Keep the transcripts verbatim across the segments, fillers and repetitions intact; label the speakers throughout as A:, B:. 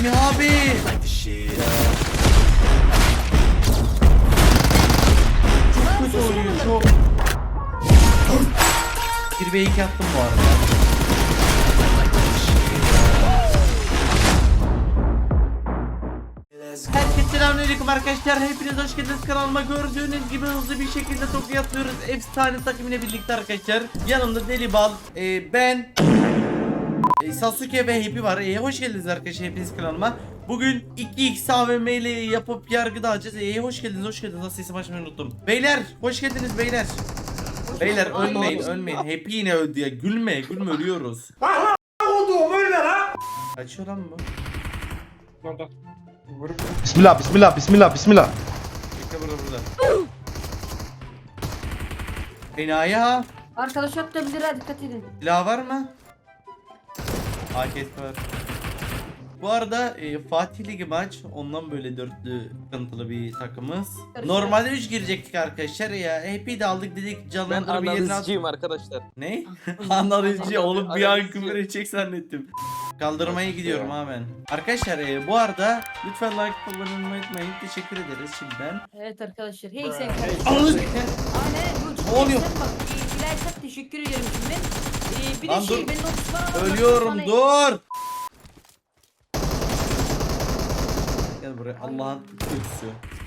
A: Semih abi. Çok kötü oynuyor çok. bir ve iki attım bu arada. Herkese selamünaleyküm arkadaşlar. Hepiniz hoş geldiniz kanalıma. Gördüğünüz gibi hızlı bir şekilde Tokyo atıyoruz. Efsane takımıyla birlikte arkadaşlar. Yanımda Delibal, e, ben, e, Sasuke ve Happy var. E, hoş geldiniz arkadaşlar hepiniz kanalıma. Bugün iki x A V M ile yapıp yargı dağıtacağız. E, hoş geldiniz, hoş geldiniz. Nasıl isim açmayı unuttum. Beyler, hoş geldiniz beyler. Beyler ölmeyin, ölmeyin. Happy yine öldü ya. Gülme, gülme ölüyoruz.
B: Oldu öyle lan.
A: Kaçıyor lan bu.
B: Orada.
C: Bismillah, bismillah, bismillah, bismillah.
A: Bekle burada burada. Enayi ha.
D: Arkadaş atabilir ha, dikkat edin.
A: Silah var mı? A K S var. Bu arada e, Fatih Ligi maç ondan böyle dörtlü sıkıntılı bir takımız. Normalde üç girecektik arkadaşlar ya. Happy de aldık dedik
E: Ben
A: canlandırma yerine at.
E: analizciyim arkadaşlar.
A: Ne? Analizci oğlum bir an
E: Analizci.
A: küfür edecek zannettim. Kaldırmaya gidiyorum ha ben. Arkadaşlar e, bu arada lütfen like kullanmayı unutmayın. Teşekkür ederiz şimdiden.
D: Evet arkadaşlar. Hey sen.
A: Alın.
D: Aynen.
A: Ne oluyor?
D: Bak, e, Bilal çok teşekkür ederim şimdi. E, bir de
A: Lan
D: şey
A: dur.
D: ben otuz
A: Ölüyorum dur. Gel buraya Allah'ın kötüsü.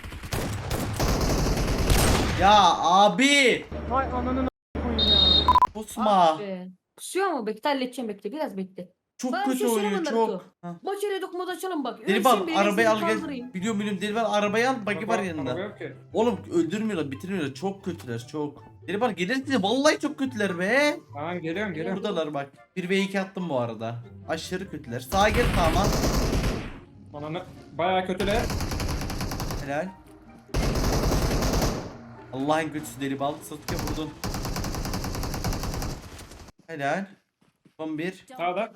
A: Ya abi.
B: Vay ananı koyayım ya.
A: Pusma.
D: Kusuyor mu? Bekle halledeceğim, bekle biraz bekle.
A: Çok
D: Bana bir
A: kötü
D: şey
A: oynuyor
D: söyleme
A: çok.
D: Naruto.
A: Ha.
D: Maç yere dokunmadan açalım bak.
A: Delibal
D: Ölsün beni,
A: arabayı al
D: seni
A: gel.
D: kaldırayım.
A: Biliyorum biliyorum Delibal arabayı al bagi var
B: Araba
A: yanında.
B: yok ki.
A: Oğlum öldürmüyorlar bitirmiyorlar çok kötüler çok. Delibal gelirse vallahi çok kötüler be.
B: Tamam geliyorum geliyorum.
A: Buradalar bak. bir ve iki attım bu arada. Aşırı kötüler. Sağa gel tamam.
B: Ananı bayağı kötüler.
A: Helal. Allah'ın kötüsü Delibal. Sasuke vurdun. Helal. Son bir.
B: Sağda.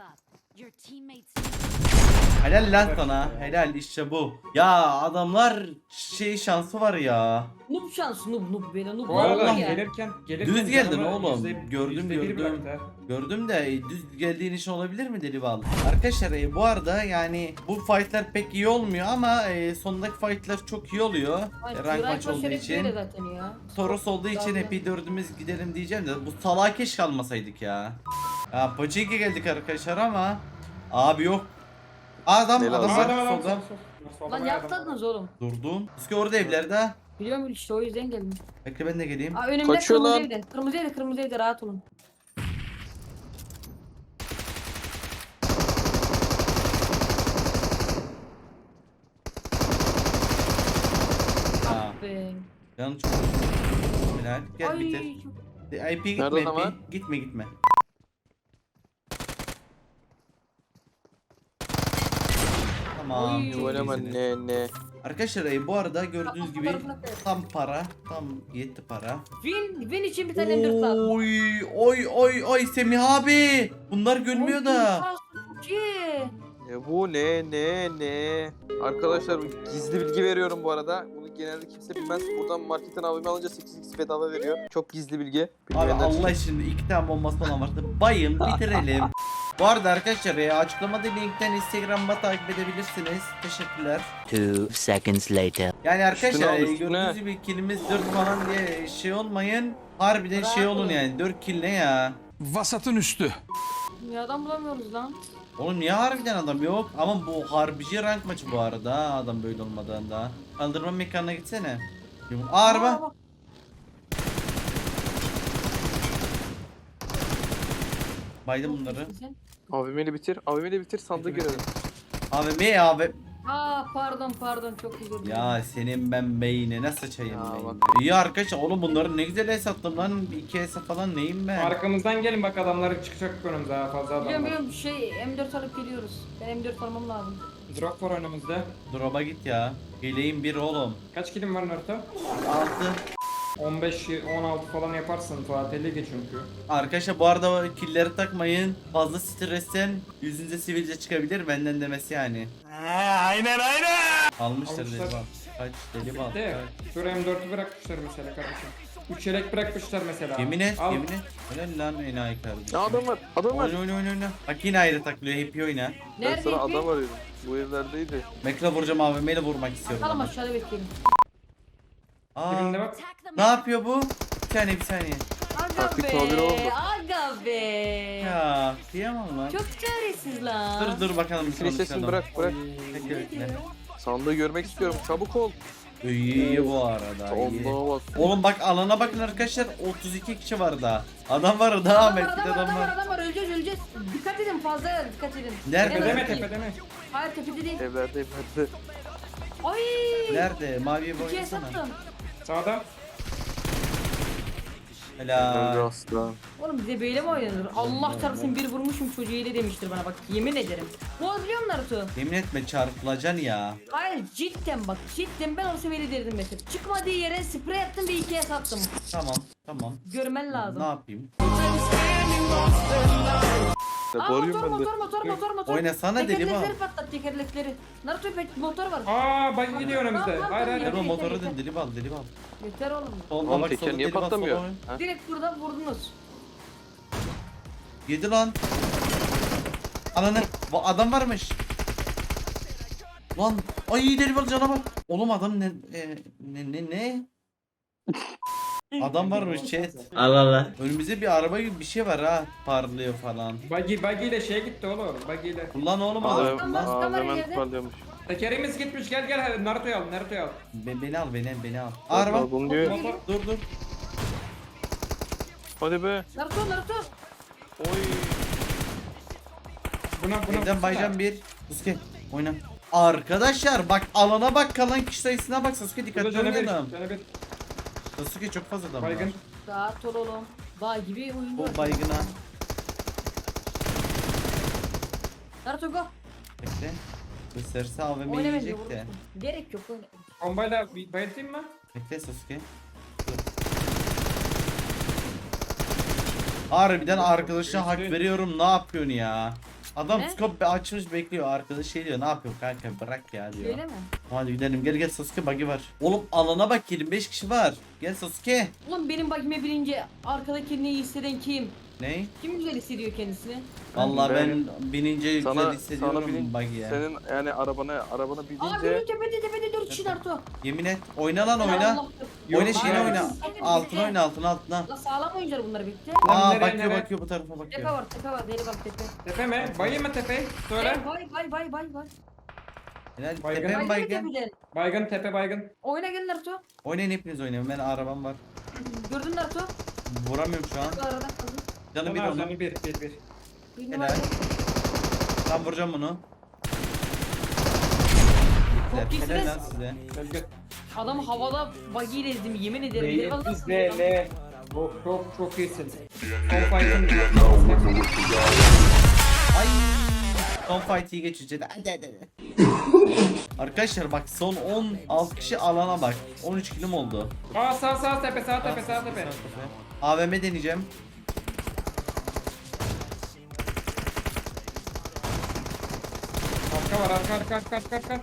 A: Helal lan sana. Helal işte bu. Ya adamlar şey şansı var ya.
D: Noob şansı, noob noob böyle noob.
B: Bu arada
A: Vallahi.
D: ya.
B: gelirken gelirken
A: Düz geldin
B: canımı
A: oğlum.
B: yüzde-
A: Gördüm,
B: yüzde bir
A: gördüm.
B: bıraktı ha.
A: Gördüm de e, düz geldiğin için olabilir mi Delibal? Arkadaşlar e, bu arada yani bu fightlar pek iyi olmuyor ama e, sondaki fightlar çok iyi oluyor.
D: Ay,
A: E, rank
D: Turay
A: maç olduğu
D: Paşa
A: için.
D: böyle zaten ya.
A: Toros olduğu için
D: Zaten.
A: hep dördümüz gidelim diyeceğim de bu salağa keşke almasaydık ya. Ya Pachinki geldik arkadaşlar ama abi yok. Adam
E: Helal
A: adam
E: olsun.
A: var
B: Adam adam
A: solda.
B: sol, sol. Solda
D: Lan
B: bayağı
D: ne
B: adam.
D: yaptınız oğlum?
A: Durdum. Eski orada evlerde ha.
D: Biliyorum işte o yüzden geldim.
A: Bekle ben de geleyim.
D: Aa, önümde
E: Kaçıyor
D: kırmızı
E: lan.
D: evde. Kırmızı evde, kırmızı evde, rahat olun.
A: Ha.
D: Be.
A: Canım çok. Helal. Gel
D: Ay,
A: bitir.
D: çok-
A: I P gitme
E: Nerede
A: I P.
E: ama?
A: Gitme gitme. Tamam.
D: Oy.
A: çok
E: Oynama
A: iyisiniz.
E: ne ne.
A: Arkadaşlar e, bu arada gördüğünüz
D: Bak,
A: gibi
D: fotoğrafına koy.
A: tam para. Tam yetti para.
D: Win, win için bir tane M dört lazım.
A: Oy oy oy oy Semih abi. Bunlar gülmüyor
D: Oy,
A: da.
D: şansı çok iyi.
E: Ne bu ne ne ne. Arkadaşlar gizli bilgi veriyorum bu arada. Bunu genelde kimse bilmez. Buradan marketten abime alınca sekiz x bedava veriyor. Çok gizli bilgi.
A: Abi
E: Bilmeyenler için.
A: Allah için iki tane bombası falan vardı. Bayım bitirelim. Bu arada arkadaşlar ya açıklamada linkten Instagram'da takip edebilirsiniz. Teşekkürler.
F: Two seconds later.
A: Yani arkadaşlar
E: Üstüne al,
A: e,
E: üstüne.
A: gördüğünüz gibi killimiz dört falan diye şey olmayın. Harbiden şey olun yani dört kill ne ya?
G: Vasatın üstü.
D: Ya adam bulamıyoruz lan.
A: Oğlum niye harbiden adam yok? Ama bu harbici rank maçı bu arada ha, adam böyle olmadan da. Kaldırma mekanına gitsene. Aa,
D: Aa,
A: araba.
D: bak.
A: Baydım bunları.
D: Sen-
E: Abimeli bitir. Abimeli bitir sandığı görelim.
A: Abi me abi.
D: Aa pardon pardon çok özür dilerim.
A: Ya senin ben beynine sıçayım
E: Ya
A: beynine.
E: bak.
A: İyi arkadaşlar oğlum bunları ne güzel hesapladım lan. iki hesap falan neyim ben?
B: Arkamızdan gelin bak adamlar çıkacak önümüze ha fazla adam
D: Biliyorum
B: var.
D: biliyorum şey M dört alıp geliyoruz. Ben M dört almam lazım.
B: Drop var önümüzde.
A: Drop'a git ya. Geleyim bir oğlum.
B: Kaç kilim var Naruto?
A: Altı.
B: on beş on altı falan yaparsın Fatih Ligi çünkü.
A: Arkadaşlar bu arada killleri takmayın. Fazla stresten yüzünüze sivilce çıkabilir benden demesi yani. aynen aynen. Almışlar
B: Almışlar.
A: deli bal. Kaç deli bal.
B: De dur M dört'ü bırakmışlar mesela kardeşim. üç yelek bırakmışlar mesela.
A: Yemin et
B: Al.
A: yemin et. Helal lan enayi kardeşim.
E: Ya adam var. Adam var.
A: Oyna oyna oyna oyna. Bak yine ayrı taklıyor hep oyna.
E: Ben
D: Nerede
E: sana
D: ipi?
E: adam arıyorum. Bu evlerdeydi.
A: Bekle vuracağım A V M'yle vurmak istiyorum.
D: Bakalım
A: ama.
D: aşağıda bekleyelim.
A: Aa,
B: Birinde bak.
A: ne yapıyor bu? Bir saniye bir saniye.
D: Aga
E: Taktik
D: be.
E: tabiri oldu.
D: Aga be.
A: Ya kıyamam lan.
D: Çok çaresiz lan.
A: Dur dur bakalım bir
E: Flash sesini bırak bırak.
A: Bekle bekle.
E: Sandığı görmek istiyorum. Çabuk ol.
A: İyi iyi bu arada iyi.
E: Allah'a bak.
A: Oğlum bak alana bakın arkadaşlar otuz iki kişi var daha. Adam var daha
D: Adam
A: Ahmet
D: var,
A: bir de
D: adam var,
A: adam
D: adam var,
A: var.
D: adam var, öleceğiz, öleceğiz. Dikkat edin, fazla dikkat edin.
A: Nerede?
D: En
B: Tepede mi
D: azından-
B: tepede mi?
D: Hayır, tepede değil.
E: Evlerde evlerde.
D: Ay!
A: Nerede? Maviye
D: İkiye
A: boyasana.
D: sattım.
B: Sağda.
E: Öldü
A: Helal.
E: aslan.
D: Oğlum bize böyle mi oynanır? Allah çarpsın bir vurmuşum çocuğu ile demiştir bana bak, yemin ederim. Bu biliyor musun Naruto?
A: Yemin etme çarpılacaksın ya.
D: Hayır cidden bak, cidden ben olsa böyle derdim mesela. Çıkmadığı yere sprey attım ve ikiye sattım.
A: Tamam tamam.
D: Görmen lazım.
A: Ne yapayım?
E: Ya
D: Aa,
E: bağırıyorum
D: motor,
E: ben de.
D: motor, motor, motor, motor.
A: Oynasana deli
D: Tekerlekleri
A: bu.
D: patlat, tekerlekleri. Naruto pek motor var.
B: Aa bak gidiyor önümüzde.
D: Tamam,
B: Hayır hayır.
A: Deli bu
D: yeter,
A: motoru
D: yeter.
A: dön deli bal deli bal.
D: Yeter oğlum.
A: Solda
E: Oğlum
A: bak
E: teker
A: solda
E: niye
A: deli bal
E: patlamıyor?
A: solda.
E: Ha?
D: Direkt burada vurdunuz.
A: Yedi lan. Ananı. Bu adam varmış. Lan. Ay deli bal cana bak. Oğlum adam ne e, ne ne ne? Adam varmış chat.
F: Allah Allah.
A: Önümüzde bir araba gibi bir şey var ha. Parlıyor falan.
B: Buggy, buggy ile şeye gitti oğlum. Buggy ile.
A: Kullan oğlum
E: Aa,
A: adam.
D: Tamam,
A: Lan.
D: tamam.
E: aa, hemen
D: yerde.
E: parlıyormuş.
B: Tekerimiz gitmiş, gel gel Naruto'yu al, Naruto'yu al.
A: Be- beni al beni beni al. Araba.
E: Bunu diyor.
B: Motor.
A: Dur dur.
E: Hadi be.
D: Naruto, Naruto.
E: Oy.
B: Buna buna.
A: Evden baycan bir. Sasuke oyna. Arkadaşlar bak alana bak kalan kişi sayısına bak Sasuke dikkatli
B: Canı bir,
A: oynayalım.
B: canı bir.
A: Sasuke çok fazla adam var.
B: Baygın.
D: Rahat ol oğlum. Bağ gibi oyun var.
A: O baygına.
D: Naruto go.
A: Bekle. Gösterse A V M
D: Oyna bence
A: yiyecek de.
D: vurursun. Gerek yok oyna.
B: Bombayla bir bayıltayım mı?
A: Bekle Sasuke. Dur. Harbiden arkadaşına hak veriyorum ne yapıyorsun ya? Adam
D: Ne?
A: scope açmış bekliyor arkadaş şey diyor ne yapıyorsun kanka bırak ya diyor.
D: Öyle mi?
A: Hadi gidelim gel gel Sasuke bug'i var. Oğlum alana bak yirmi beş kişi var. Gel Sasuke.
D: Ulan benim bagime binince arkada kendini iyi hisseden kim?
A: Ne?
D: Kim güzel hissediyor kendisini?
A: Vallahi ben,
E: Ben-
A: binince güzel
E: Sana
A: hissediyorum
E: sana binin.
A: bug'iye.
E: Senin yani arabana arabana
D: Aa
E: binince
D: benim tepede tepede dört kişi Naruto.
A: Yemin et. Oyna lan oyna.
D: Allah-
A: Oyna
B: Yok,
A: şeyini
B: hayır.
A: oyna. Altına oyna altına altına.
D: La sağlam oyuncular bunlar bitti.
A: Aa
B: nereye,
A: bakıyor
B: nereye?
A: bakıyor bu tarafa
D: Tepe
A: bakıyor.
D: var, tepe var. Deli bak tepe.
B: Tepe mi? Bayı mı tepe? Söyle.
D: Hey, Bay bay bay bay bay.
A: Helal
B: Baygın.
A: tepem
D: Bay gibi
A: baygın.
D: tepeden.
B: Baygın tepe baygın.
D: Oyna gel Naruto.
A: Oynayın hepiniz oynayın. Ben arabam var.
D: Gördün Naruto.
A: Vuramıyorum şu an.
D: Bu arada kaldı.
A: Canı bir
B: Tamam,
A: onu.
B: canı bir bir bir.
D: Bir
A: Helal.
D: numara.
A: Ben vuracağım bunu.
D: Çok
A: Helal
D: iyisiniz.
A: lan size.
B: Gel gel.
D: Adamı havada buggy ile ezdim yemin ederim. Deli
B: Neyi
D: vallahi
B: izle
D: sandım.
B: ne? Çok çok çok iyisin. Son fight'ın.
A: Ay. Son fight iyi geçeceğiz. Hadi hadi hadi. Arkadaşlar bak son on altı kişi alana bak. on üç kilim oldu.
B: Aa sağ sağ tepe sağ tepe sağ tepe.
A: A V M deneyeceğim.
B: Arka var arka arka arka arka arka.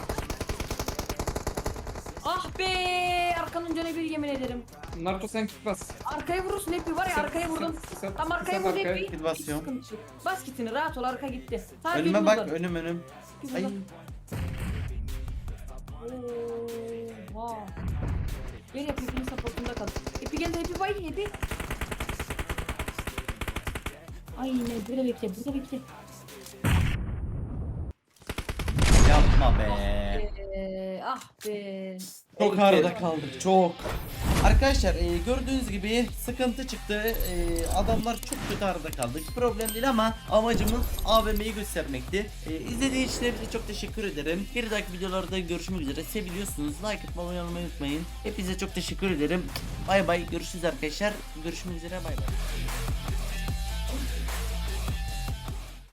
D: Ah be! Arkanın canı bir yemin ederim.
B: Naruto sen kit bas.
D: Arkaya vurursun hepi var ya
B: Sat,
D: arkaya vurdum.
B: sat, sat,
D: Tam arkaya
B: sat
D: vurdu
B: arkaya.
D: hepi.
A: Kit basıyorum.
D: Sıkıntı yok. Bas kitini rahat ol arka gitti. Sadece
A: Önüme
D: bir
A: bak
D: uzar.
A: önüm önüm.
D: Bir
A: Ay.
D: uzar. Oha. Gel yap hepinin supportunda kal. Hepi geldi hepi bay hepi. Aynen burada bekle burada bekle.
A: Yapma be.
D: Ee, ah be.
A: Çok arada kaldık çok. Arkadaşlar e, gördüğünüz gibi sıkıntı çıktı. E, adamlar çok kötü arada kaldık. Problem değil ama amacımız A V M'yi göstermekti. E, izlediğiniz için hepinize çok teşekkür ederim. Bir dahaki videolarda görüşmek üzere. Seviliyorsunuz. Like atmayı abone olmayı unutmayın. Hepinize çok teşekkür ederim. Bay bay. Görüşürüz arkadaşlar. Görüşmek üzere. Bay bay.